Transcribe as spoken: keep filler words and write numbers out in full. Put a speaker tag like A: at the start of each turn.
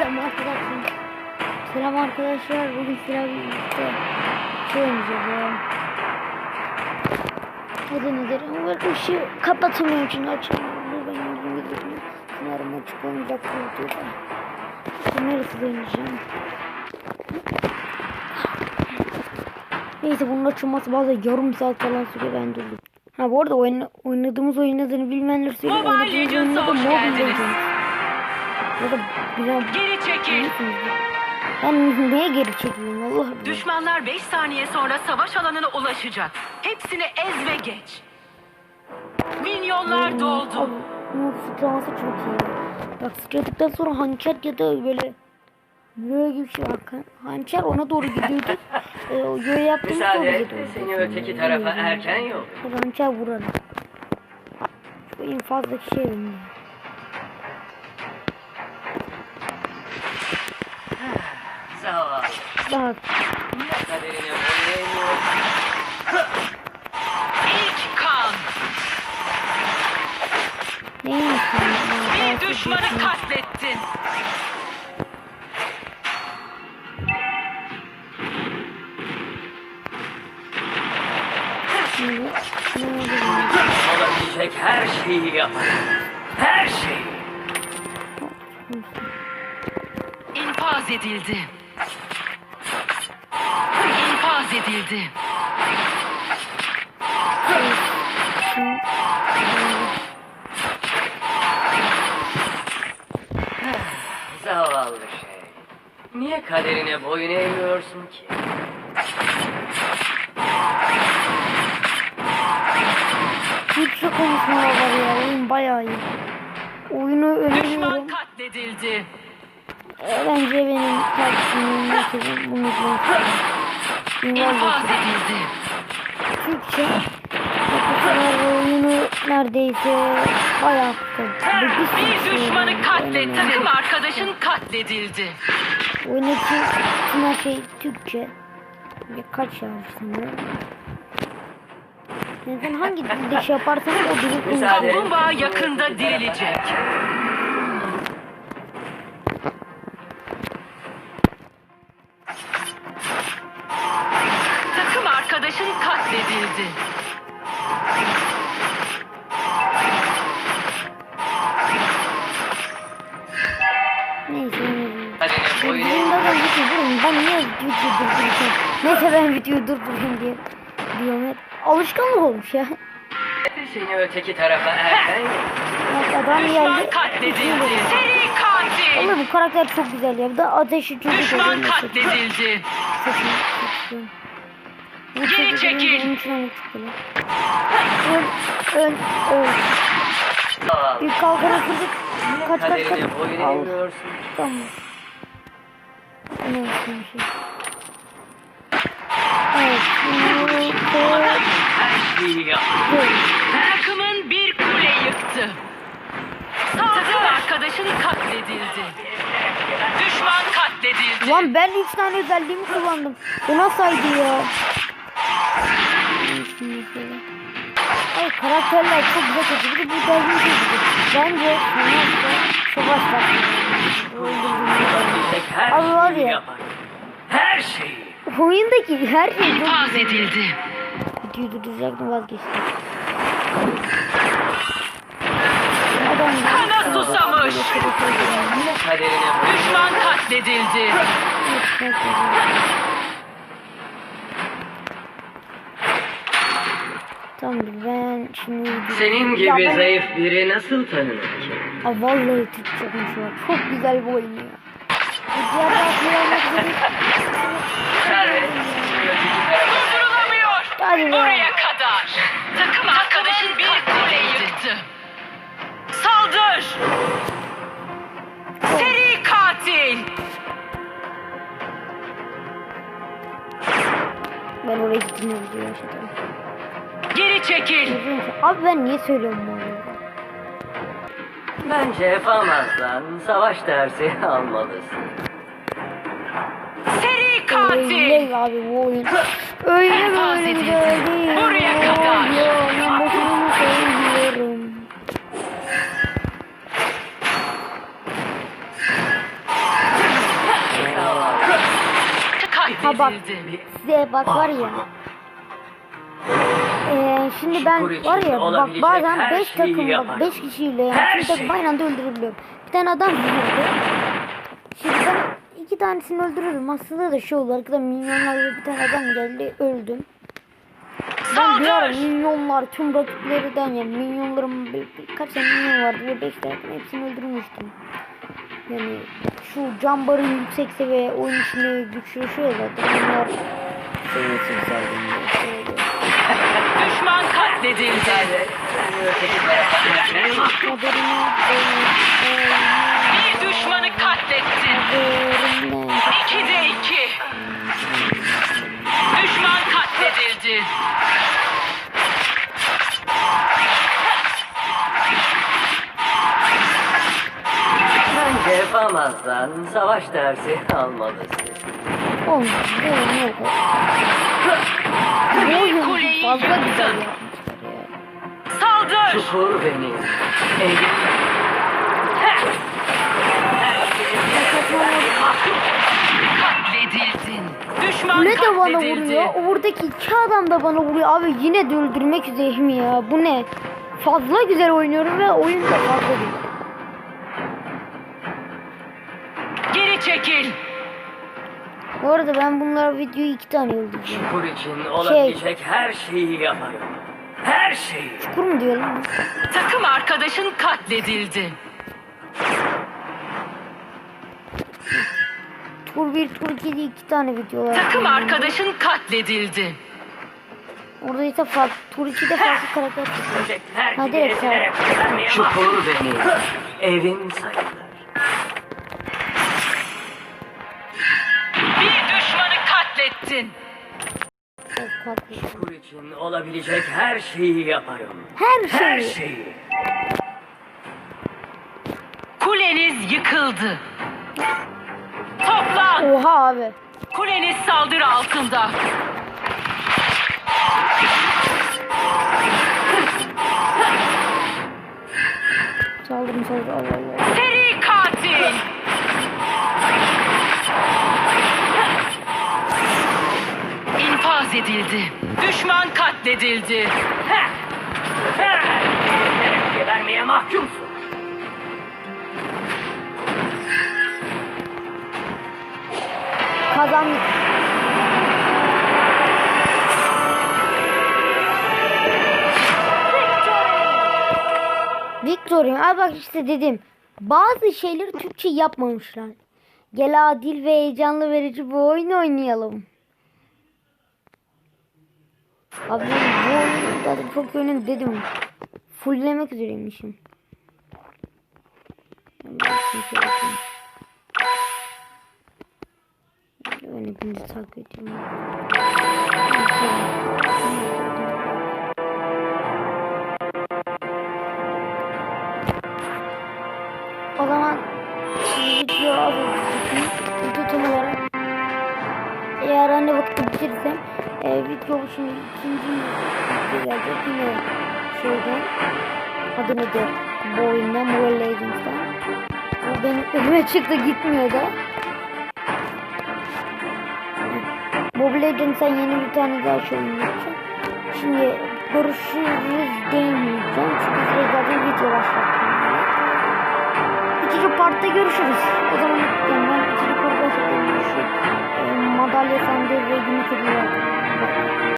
A: Selam arkadaşlar. Selam arkadaşlar. Bugün sizlerle birlikte şey oynayacağız. Adı nedir? Ama ben ışığı kapatamıyorum çünkü açamıyorum. Ben yüzümü gidiyorum. Umarım açık olmayacak bu videoda. İşte neresi oynayacağım? Neyse bunun açılması bazen yarım saat falan sürüyor, ben durdum. Ha bu arada oyna, oynadığımız oyun adını bilmeyenler söyleyeyim. Oynadığımız oyun adı Mobile Legends. Ya da bilen...
B: Geri çekil.
A: Ben neye geri çekeyim Allah bilir.
B: Düşmanlar beş saniye sonra savaş alanına ulaşacak. Hepsini ez ve geç. Milyonlar doldu.
A: Abi, bu sıçraması çok iyi. Bak sıçradıktan sonra hançer ya da böyle böyle gibi bir şey var. Hançer ona doğru gidiyordu. e, o göğe yaptığımız
C: Müsaade
A: doğru
C: et,
A: gidiyordu.
C: seni öteki tarafa erken yol.
A: Hançer vuralım. Şu en fazlaki şey benim.
C: Zavallı.
A: Bak.
C: Kaderine oynayamıyor.
B: İlk kan.
A: Neymiş yani?
B: Bir düşmanı katlettin.
C: Olabilecek her şeyi yaparım. Her şeyi.
B: İnfaz edildi. İnfaz edildi.
C: Zavallı şey. Niye kaderine boyun eğmiyorsun ki?
A: Türkçe konuşmalar var ya, oyun bayağı iyi. Oyunu
B: Düşman
A: öneriyorum.
B: katledildi.
A: E, bence benim kardeşimin mesela bunu
B: İnfaz
A: izleyin.
B: edildi.
A: Türkçe yapışlar oyunu neredeyse bayağı kısa.
B: Bir düşmanı katlet. Takım arkadaşın katledildi.
A: Oyundaki tüm her şey Türkçe. Birkaç şarkı sanırım. Neden hangi dilde şey yaparsanız o dili
C: Müsaade.
B: Kaplumbağa yakında dirilecek. Takım arkadaşın katledildi.
A: neyse.
C: Kaderine boyun
A: Bunda
C: eğmiyor.
A: ben video durayım. Ben niye video durdurayım? Neyse ben video durdurayım diye diyorum hep. Alışkanlık olmuş ya.
C: Seni öteki tarafa erken yol.
A: Bak adam
B: Düşman
A: geldi.
B: katledildi. Seri katil.
A: Vallahi bu karakter çok güzel ya. Bir de ateşi çocuk
B: Düşman
A: oluyor mesela.
B: katledildi.
A: Çok iyi, çok iyi. Bu
B: Geri
A: çocuk
B: çekil.
A: olunca onun için onu tutuyor. Öl, öl, öl.
C: Zavallı.
A: Bir kalkanı kırdık. Kaç kaç kaç.
C: Kaderine boyun
A: Al.
C: eğmiyorsun.
A: Tamam. Ne yapayım bir şey. Evet. Evet.
C: Her şeyi yaparım.
B: Takımın bir kule yıktı. Takım arkadaşın katledildi. Düşman katledildi.
A: Lan ben üç tane özelliğimi kullandım. Bu nasıldı ya? Ay karakterler çok güzel kötü. Bir de bu özelliği çok güzel. Bence savaşta savaş
C: Olabilecek her
A: Abi var
C: şeyi
A: ya.
C: yaparım. Her şeyi.
A: oyundaki her şey çok
B: İnfaz
A: güzel.
B: edildi.
A: Videoyu durduracaktım, vazgeçtim. Adam
B: Kana susamış.
C: Kaderine boyun
B: Düşman katledildi.
A: Tamam ben şimdi
C: Senin
A: Ya
C: gibi
A: ben-
C: zayıf biri nasıl tanınır ki?
A: Ha vallahi Türkçe konuşuyor. Çok güzel bir oyun ya. Bu diğer tarafı yapmak üzere.
C: Servet.
B: Durdurulamıyor.
A: Hadi be.
B: Buraya kadar. Takım arkadaşın bir kule yıktı. Saldır. Seri katil.
A: Ben oraya gittim diye yaşadım.
B: Geri çekil.
A: Abi ben niye söylüyorum bu arada?
C: Bence yapamazsan savaş dersi almalısın.
B: Seri katil.
A: Öyle abi bu oyun. Öyle
B: İnfaz
A: böyle
B: edildi.
A: güzel değil.
B: Buraya kadar.
A: Ya ben boşuna söylüyorum. Ha bak
B: katledildi.
A: size bak var ya. Ee, şimdi ben var ya bak bazen beş takım bak beş kişiyle yani bir takım aynı anda öldürebiliyorum. Bir tane adam vurdu. Şimdi ben iki tanesini öldürürüm. Aslında da şey oldu arkada milyonlar ve bir tane adam geldi öldüm. Ben bir ara milyonlar tüm rakiplerden yani milyonların bir, birkaç tane milyon vardı ve beş tane hepsini öldürmüştüm. Yani şu cambarın yüksek seviye oyun içinde güçleşiyor zaten. Bunlar seviyesi yükseldiğinde şey oluyor.
B: Düşman katledildi. Bir düşmanı katlettin. İkide iki. Düşman katledildi.
C: Bence yapamazsan savaş dersi almalısın.
A: Olmaz. Bu oyun yok. Bu oyun
B: kuleyi
A: fazla güzel
B: yıktın.
A: yapmışlar ya.
B: Saldır.
C: Çukur benim. Evim.
B: Katledildin. Düşman
A: Kule de bana
B: katledildi.
A: vuruyor. Oradaki iki adam da bana vuruyor. Abi yine de öldürmek üzereyim ya. Bu ne? Fazla güzel oynuyorum ve oyun da fazla güzel.
B: Geri çekil.
A: Bu arada ben bunlar videoyu iki tane öldüreceğim.
C: Çukur için olabilecek her şeyi yaparım. Her şeyi.
A: Çukur mu diyor lan?
B: Takım arkadaşın katledildi.
A: Tur bir, tur iki diye iki tane video var.
B: Takım arkadaşın katledildi.
A: Orada ise farklı. Tur ikide farklı karakter çıkıyor.
C: Ölecekler
A: Hadi
C: gibi
A: evet,
C: ezilerek vermeye Çukur benim. Evim sayılır.
B: Bir düşmanı katlettin.
A: Çok farklı.
C: Çukur için olabilecek her şeyi yaparım.
A: Her
C: Her
A: şeyi.
C: şeyi.
B: Kuleniz yıkıldı. Toplan.
A: Oha abi.
B: Kuleniz saldırı altında.
A: Saldırın saldırın. Allah Allah.
B: Seri katil. İnfaz edildi. Düşman katledildi.
C: Heh. Heh. Gebermeye mahkumsun.
A: Kazandık. Victory. Abi bak işte dedim. Bazı şeyleri Türkçe yapmamışlar. Gel adil ve heyecanlı verici bu oyun oynayalım. Abi ben bu oyunu zaten çok yönün dedim. Fulllemek üzereymişim. Ben hepinizi takip ediyorum. O zaman video alıyorum. Video tam olarak eğer anne vakti bitirirsem e, video şimdi ikinci video gelecek yine şeyden adı nedir bu oyundan Mobile Legends'tan. O benim önüme çıktı gitmiyor da. Mobile Legends'tan yeni bir tane daha şey oynayacağım. Şimdi görüşürüz demeyeceğim çünkü size zaten video başlattım. İkinci partta görüşürüz. O zaman yani ben ikinci partta başlattım. Şu e, madalya sandığı ve günlük ödülü